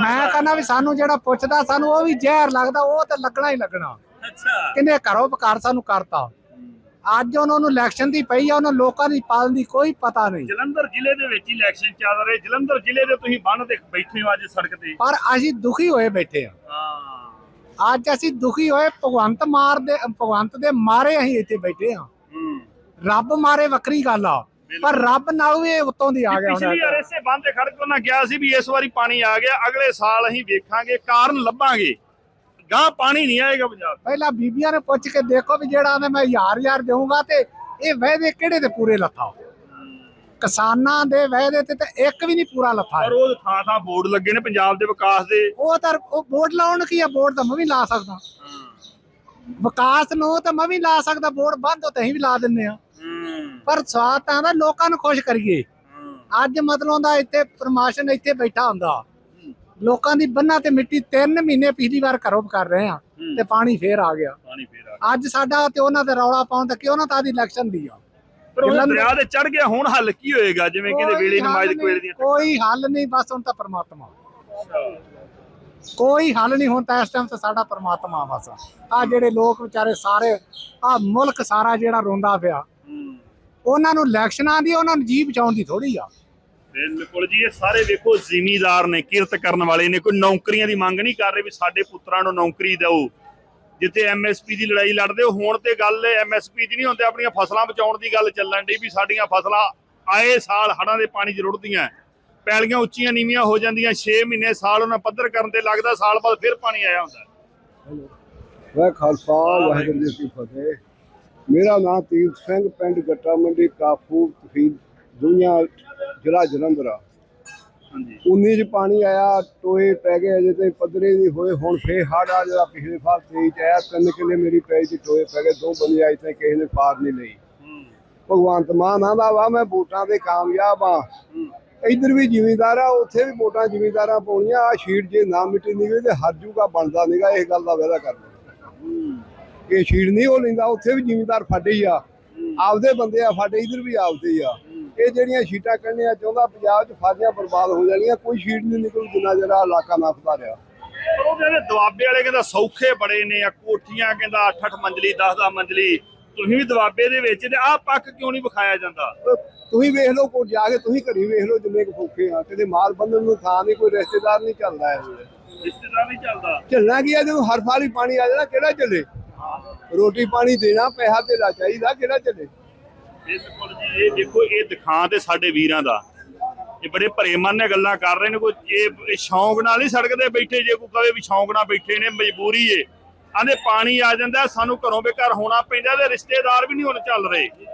मैं कहना भी सानू जेड़ा पुछदा सानू वो भी जहर लगदा, वो ते लगना ही लगना। अच्छा किन्ने घरों बकार सानू करता। अज उन्होंने इलैक्शन दी पई आ, उन्होंने लोकां दी पालन दी कोई पता नहीं। ਜਲੰਧਰ ਜ਼ਿਲ੍ਹੇ ਦੇ ਵਿੱਚ ਇਲੈਕਸ਼ਨ ਚੱਲ ਰਹੇ, ਜਲੰਧਰ ਜ਼ਿਲ੍ਹੇ ਦੇ ਤੁਸੀਂ ਬੰਨ ਤੇ ਬੈਠੇ ਹੋ ਅੱਜ ਸੜਕ ਤੇ। पर असीं दुखी होए बैठे आ। ਹਾਂ अज असीं दुखी होए भगवंत दे मारे असीं इत्थे बैठे आ। रब मारे वक्री गल आ, पर रब नाल भी उत्तों दी आ गया। ਪਿਛਲੀ ਵਾਰ ਇਸੇ ਬੰਨ ਤੇ ਖੜ ਕੇ ਉਹਨਾਂ ਕਿਹਾ ਸੀ ਵੀ ਇਸ ਵਾਰੀ ਪਾਣੀ ਆ ਗਿਆ, ਅਗਲੇ ਸਾਲ ਅਸੀਂ ਵੇਖਾਂਗੇ, ਕਾਰਨ ਲੱਭਾਂਗੇ, ਗਾਂ ਪਾਣੀ ਨਹੀਂ ਆਏਗਾ ਪੰਜਾਬ। पहला बीबियां ने पुछ के देखो भी जेड़ा मैं 1000 देऊंगा ते ये वायदे केड़े ते पूरे लथा। किसानां दे वायदे ते एक भी नहीं पूरा लथा। ਪਰ ਉਹ ਥਾਂ ਥਾਂ ਬੋਰਡ ਲੱਗੇ ਨੇ ਪੰਜਾਬ ਦੇ ਵਿਕਾਸ ਦੇ। ਉਹ ਤਾਂ ਉਹ ਬੋਰਡ ਲਾਉਣ ਕੀ ਆ, ਬੋਰਡ ਤਾਂ ਮੈਂ ਵੀ ਲਾ ਸਕਦਾ। ਵਿਕਾਸ ਨੂੰ ਤਾਂ ਮੈਂ ਵੀ ਲਾ ਸਕਦਾ, ਬੋਰਡ ਬੰਦ ਹੋ ਤੇ ਅਸੀਂ ਵੀ ਲਾ ਦਿੰਨੇ ਆ। ਪਰ ਸਵਾਦ ਤਾਂ ਦਾ ਲੋਕਾਂ ਨੂੰ ਖੁਸ਼ ਕਰੀਏ। ਅੱਜ ਮਤਲਬ ਦਾ ਇੱਥੇ ਪ੍ਰਮਾਸ਼ਨ ਇੱਥੇ ਬੈਠਾ ਹੁੰਦਾ, ਲੋਕਾਂ ਦੀ ਬੰਨਾ ਤੇ ਮਿੱਟੀ 3 ਮਹੀਨੇ ਪਿਛਲੀ ਵਾਰ ਘਰੋਂ ਕਰ ਰਹੇ ਆ ਤੇ ਪਾਣੀ ਫੇਰ ਆ ਗਿਆ। ਅੱਜ ਸਾਡਾ ਤੇ ਉਹਨਾਂ ਤੇ ਰੌਲਾ ਪਾਉਣ ਤੇ ਕਿਉਂ ਨਾ ਤਾਂ ਦੀ ਇਲੈਕਸ਼ਨ ਦੀ ਆ। ਪਰ ਉਹ ਦਰਿਆ ਦੇ ਚੜ ਗਿਆ, ਹੁਣ ਹੱਲ ਕੀ ਹੋਏਗਾ? ਜਿਵੇਂ ਕਹਿੰਦੇ ਵੇਲੇ ਨਮਾਜ਼ ਕੋਲੇ ਦੀਆਂ ਕੋਈ ਹੱਲ ਨਹੀਂ, ਬਸ ਹੁਣ ਤਾਂ ਪਰਮਾਤਮਾ। ਕੋਈ ਹੱਲ ਨਹੀਂ, ਹੁਣ ਤਾਂ ਇਸ ਟਾਈਮ ਤੇ ਸਾਡਾ ਪਰਮਾਤਮਾ ਬਸ। ਆ ਜਿਹੜੇ ਲੋਕ ਵਿਚਾਰੇ ਸਾਰੇ ਆ ਮੁਲਕ ਸਾਰਾ ਜਿਹੜਾ ਰੋਂਦਾ ਪਿਆ, ਉਹਨਾਂ ਨੂੰ ਇਲੈਕਸ਼ਨਾਂ ਦੀ ਉਹਨਾਂ ਨੂੰ ਜੀ ਬਚਾਉਣ ਦੀ ਥੋੜੀ ਆ। ਬਿਲਕੁਲ ਜੀ, ਇਹ ਸਾਰੇ ਵੇਖੋ ਜ਼ਿਮੀਦਾਰ ਨੇ, ਕਿਰਤ ਕਰਨ ਵਾਲੇ ਨੇ, ਕੋਈ ਨੌਕਰੀਆਂ ਦੀ ਮੰਗ ਨਹੀਂ ਕਰ ਰਹੇ ਵੀ ਸਾਡੇ ਪੁੱਤਰਾਂ ਨੂੰ ਨੌਕਰੀ ਦਿਓ। ਜਿੱਥੇ ਐਮਐਸਪੀ ਦੀ ਲੜਾਈ ਲੜਦੇ ਹੋ, ਹੁਣ ਤੇ ਗੱਲ ਐਮਐਸਪੀ ਦੀ ਨਹੀਂ ਹੁੰਦੀ, ਆਪਣੀਆਂ ਫਸਲਾਂ ਬਚਾਉਣ ਦੀ ਗੱਲ ਚੱਲਣ ਡਈ ਵੀ ਸਾਡੀਆਂ ਫਸਲਾਂ ਆਏ ਸਾਲ ਹੜ੍ਹਾਂ ਦੇ ਪਾਣੀ 'ਚ ਰੁੜਦੀਆਂ, ਪੈਲੀਆਂ ਉੱਚੀਆਂ ਨੀਵੀਆਂ ਹੋ ਜਾਂਦੀਆਂ, 6 ਮਹੀਨੇ ਸਾਲ ਉਹਨਾਂ ਪੱਧਰ ਕਰਨ ਤੇ ਲੱਗਦਾ, ਸਾਲ ਬਾਅਦ ਫਿਰ ਪਾਣੀ ਆਇਆ ਹੁੰਦਾ। ਵਾਹਿ ਖਾਲਸਾ ਵਾਹਿਗੁਰੂ ਜੀ ਕੀ ਫਤਿਹ। ਮੇਰਾ ਨਾਮ ਤੀਰਥ ਸਿੰਘ, ਪਿੰਡ ਗੱਟਾ ਮੰਡੀ, ਕਾਫੂ, ਤਹਿਸੀਲ ਦੁਨੀਆ, ਜ਼ਿਲ੍ਹਾ ਜਲੰਧਰ ਆ। 19 ਚ ਪਾਣੀ ਆਇਆ, ਟੋਏ ਪੈ ਗਏ, ਅਜੇ ਤੇ ਪੱਧਰੇ ਨਹੀਂ ਹੋਏ। ਹੁਣ ਫੇਰ ਹੜ੍ਹ ਆ ਜਿਹੜਾ ਪਿਛਲੇ ਸਾਲ 23 ਚ ਆਇਆ, 3 ਕਿੱਲੇ ਮੇਰੀ ਪੈਲੀ ਚ ਟੋਏ ਪੈ ਗਏ, 2 ਬੰਦੇ ਆਏ ਤੇ ਕਿਸੇ ਨੇ ਪਾਰ ਨਹੀਂ ਲਈ। ਭਗਵੰਤ ਮਾਨ ਆਂਦਾ ਵਾ ਮੈਂ ਵੋਟਾਂ ਤੇ ਕਾਮਯਾਬ ਆ। ਇੱਧਰ ਵੀ ਜ਼ਿਮੀਂਦਾਰ ਆ, ਉੱਥੇ ਵੀ ਵੋਟਾਂ ਜ਼ਿਮੀਂਦਾਰਾਂ ਪਾਉਣੀਆਂ। ਆ ਸ਼ੀਟ ਜੇ ਨਾ ਮਿੱਟੀ ਨਿਕਲੇ ਤੇ ਹਰ ਜੂਗਾ ਬਣਦਾ ਨੀਗਾ, ਇਸ ਗੱਲ ਦਾ ਵਾਅਦਾ ਕਰਦਾ। ਇਹ ਸ਼ੀਟ ਨਹੀਂ ਹੋ ਲੈਂਦਾ, ਉੱਥੇ ਵੀ ਜ਼ਿਮੀਂਦਾਰ ਸਾਡੇ ਹੀ ਆ, ਆਪਦੇ ਬੰਦੇ ਆ ਸਾਡੇ, ਇੱਧਰ ਵੀ ਆਪਦੇ ਹੀ ਆ। ਇਹ ਜਿਹੜੀਆਂ ਸ਼ੀਟਾਂ ਕੱਢਣੀਆਂ ਚਾਹੁੰਦਾ ਪੰਜਾਬ 'ਚ ਫਾਜ਼ੀਆਂ ਬਰਬਾਦ ਹੋ ਜਾਣੀਆਂ, ਕੋਈ ਸ਼ੀਟ ਨਹੀਂ ਨਿਕਲੂ ਜਿੰਨਾ ਜਿਹੜਾ ਇਲਾਕਾ ਨੱਪਦਾ ਰਿਹਾ। ਪਰ ਉਹ ਕਹਿੰਦੇ ਦੁਆਬੇ ਵਾਲੇ ਕਹਿੰਦਾ ਸੌਖੇ ਬੜੇ ਨੇ, ਆ ਕੋਠੀਆਂ ਕਹਿੰਦਾ 8-8 ਮੰਜ਼ਲੀ 10-10 ਮੰਜ਼ਲੀ, ਤੁਸੀਂ ਵੀ ਦੁਆਬੇ ਦੇ ਵਿੱਚ ਤੇ ਆਹ ਪੱਕ ਕਿਉਂ ਨਹੀਂ ਵਿਖਾਇਆ ਜਾਂਦਾ? ਤੁਸੀਂ ਵੇਖ ਲਓ, ਕੋਈ ਜਾ ਕੇ ਤੁਸੀਂ ਘਰੀ ਵੇਖ ਲਓ, ਜਿੰਨੇ ਕੁ ਫੌਕੇ ਆ, ਕਿਤੇ ਮਾਲ ਬੰਨਣ ਨੂੰ ਥਾਂ ਨਹੀਂ, ਕੋਈ ਰਿਸ਼ਤੇਦਾਰ ਨਹੀਂ ਚੱਲਦਾ। ਰਿਸ਼ਤੇਦਾਰ ਨਹੀਂ ਚੱਲਦਾ, ਚੱਲਣਾ ਕੀ ਆ? ਜਦੋਂ ਹਰ ਸਾਲ ਹੀ ਪਾਣੀ ਆ ਜਾਣਾ, ਕਿਹੜਾ ਚੱਲੇ? ਰੋਟੀ ਪਾਣੀ ਦੇਣਾ, ਪੈਸਾ ਧੇਲਾ ਚਾਹੀਦਾ, ਕਿਹੜਾ ਚੱਲੇ? ਬਿਲਕੁਲ ਜੀ, ਇਹ ਦੇਖੋ, ਇਹ ਦਿਖਾਂ ਤੇ ਸਾਡੇ ਵੀਰਾਂ ਦਾ, ਇਹ ਬੜੇ ਭਰੇ ਮਨ ਨੇ ਗੱਲਾਂ ਕਰ ਰਹੇ ਨੇ। ਕੋਈ ਇਹ ਸ਼ੌਂਕ ਨਾਲ ਨਹੀਂ ਸੜਕ ਤੇ ਬੈਠੇ, ਜੇ ਕੋਈ ਕਵੇ ਵੀ ਸ਼ੌਂਕ ਨਾਲ ਬੈਠੇ ਨੇ, ਮਜਬੂਰੀ ਏ। ਆਂਦੇ ਪਾਣੀ ਆ ਜਾਂਦਾ, ਸਾਨੂੰ ਘਰੋਂ ਬੇਘਰ ਹੋਣਾ ਪੈਂਦਾ, ਤੇ ਰਿਸ਼ਤੇਦਾਰ ਵੀ ਨਹੀਂ ਹੁਣ ਚੱਲ ਰਹੇ।